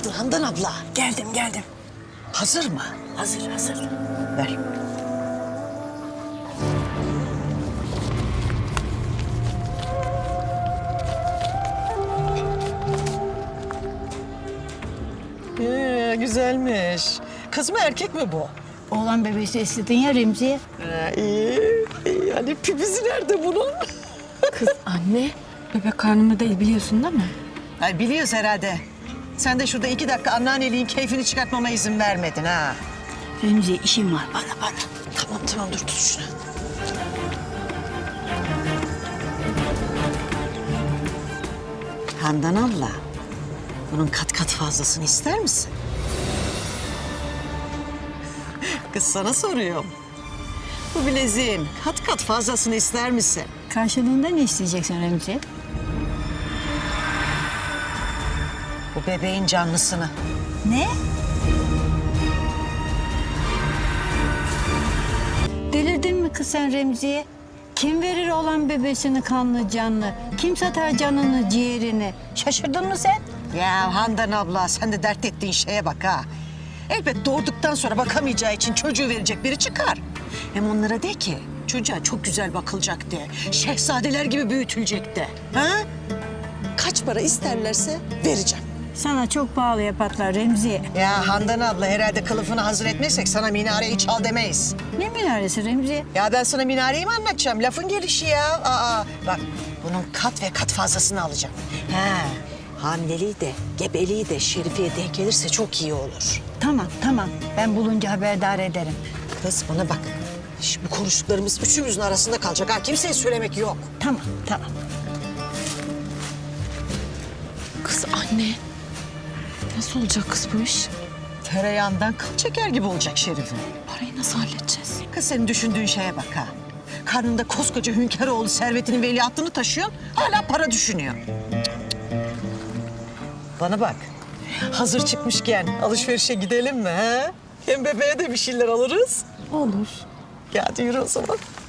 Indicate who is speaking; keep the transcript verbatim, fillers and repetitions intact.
Speaker 1: kadın Handan abla.
Speaker 2: Geldim geldim.
Speaker 1: Hazır mı?
Speaker 2: Hazır hazır.
Speaker 1: Ver. Ee, güzelmiş. Kız mı erkek mi bu?
Speaker 2: Oğlan bebesi istedin ya Remzi'ye.
Speaker 1: Ha, iyi. iyi. Yani pipizi nerede bunun?
Speaker 3: Kız anne, bebek karnımda değil biliyorsun değil mi?
Speaker 1: Ay biliyoruz herhalde. Sen de şurada iki dakika anneanneliğin keyfini çıkartmama izin vermedin ha.
Speaker 2: Remzi'ye işim var bana bana.
Speaker 1: Tamam tamam dur tut şunu. Handan abla, bunun kat kat fazlasını ister misin? Kız sana soruyorum. Bu bileziğin kat kat fazlasını ister misin?
Speaker 2: Karşılığında ne isteyeceksin Remzi'ye?
Speaker 1: Bu bebeğin canlısını.
Speaker 2: Ne? Delirdin mi kız sen Remzi'ye? Kim verir olan bebesini kanlı canlı? Kim satar canını ciğerini? Şaşırdın mı sen?
Speaker 1: Ya Handan abla sen de dert ettiğin şeye bak ha. Elbet doğurduktan sonra bakamayacağı için çocuğu verecek biri çıkar. Hem onlara de ki çocuğa çok güzel bakılacak de. Şehzadeler gibi büyütülecek de. Ha? Kaç para isterlerse vereceğim.
Speaker 2: Sana çok pahalıya patlar Remzi'ye.
Speaker 1: Ya Handan abla herhalde kılıfını hazır etmezsek sana minareyi çal demeyiz.
Speaker 2: Ne minaresi Remzi'ye?
Speaker 1: Ya ben sana minareyi mi anlatacağım? Lafın gelişi ya. Aa, bak bunun kat ve kat fazlasını alacağım. He, hamileliği de, gebeliği de Şerife'ye denk gelirse çok iyi olur.
Speaker 2: Tamam tamam ben bulunca haberdar ederim.
Speaker 1: Kız bana bak. Şimdi bu konuştuklarımız üçümüzün arasında kalacak ha. Kimseye söylemek yok.
Speaker 2: Tamam tamam.
Speaker 3: Kız anne, nasıl olacak kız bu iş?
Speaker 1: Tereyağından kıl çeker gibi olacak Şerife.
Speaker 3: Parayı nasıl halledeceğiz?
Speaker 1: Kız senin düşündüğün şeye bak ha. Karnında koskoca Hünkaroğlu servetinin veliahtını taşıyorsun. Hala para düşünüyor. Cık, cık, cık. Bana bak. Hazır çıkmışken alışverişe gidelim mi ha? Hem bebeğe de bir şeyler alırız.
Speaker 3: Olur.
Speaker 1: Ya hadi yürü o zaman.